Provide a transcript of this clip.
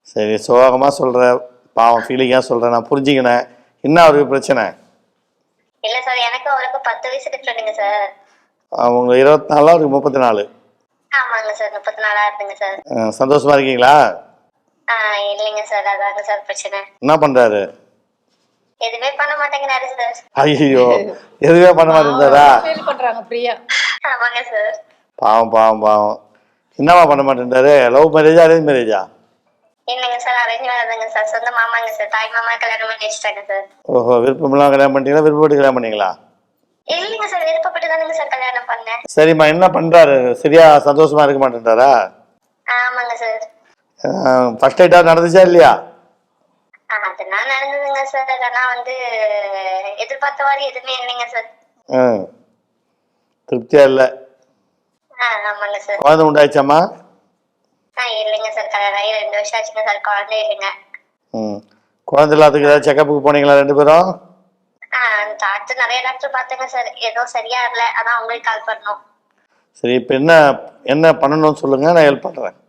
சரி, சோகமாக சொல்கிற, பாவம் ஃபீலிங்காக சொல்கிறேன், நான் புரிஞ்சுக்கினேன். என்ன அவருக்கு பிரச்சனை? இல்ல சார், எனக்கு அவருக்கு 10 வயசு டிஃபரெண்ட்டுங்க சார். அவங்க 24, அவருக்கு 34. ஆமாங்க சார், 34 இருக்குங்க சார். சந்தோஷமா இருக்கீங்களா? இல்லைங்க சார், அதாங்க சார் பிரச்சனை. என்ன பண்ணுறாரு? எதுவுமே பண்ண மாட்டேங்கிறாரு சார். ஐயோ, எதுவுமே பண்ண மாட்டேங்கிறாரா? ஃபீல் பண்றாங்க பிரியா. ஆமாங்க சார். பாவம் பாவம் பாவம். என்னவா பண்ண மாட்டேன்றாரு? லவ் மேரேஜா அரேஞ்ச் மேரேஜா? இல்லைங்க சார், அரேஞ்ச் மேரேஜ்ங்க சார். சொந்த மாமாங்க சார். தாய் மாமா கல்யாணம் பண்ணி வச்சுட்டாங்க சார். ஓஹோ, விருப்பமெல்லாம் கல்யாணம் பண்ணிட்டீங்களா? விருப்பப்பட்டு கல்யாணம் பண்ணீங்களா? இல்லைங்க சார், விருப்பப்பட்டு தானுங்க சார் கல்யாணம் பண்ணேன். சரிம்மா, என்ன பண்ணுறாரு? சரியா சந்தோஷமா இருக்க மாட்டேன்றாரா? ஆமாங்க சார். ஃபர்ஸ்ட் நைட்டா நடந்துச்சா இல்லையா? அதெல்லாம் நடந்ததுங்க சார். ஆனா எதிர்பார்த்த மாதிரி எதுவுமே இல்லைங்க சார். திருப்தியா இல்லை. ஆமாங்க சார். குழந்தை உண்டாயிச்சாம்மா? இல்லைங்க சார், கல்யாணம் ஆகி 2 வருஷம் ஆச்சுங்க சார். குழந்தை இல்லைங்க. குழந்தை இல்லாததுக்கு ஏதாவது செக்கப்புக்கு போனீங்களா 2 பேரும்? டாக்டர் நிறைய டாக்டர் பார்த்தேங்க சார். எதுவும் சரியா இல்லை. அதான் உங்களுக்கு கால் பண்ணோம். சரி, இப்போ என்ன என்ன பண்ணணும்னு சொல்லுங்க, நான் ஹெல்ப் பண்ணுறேன்.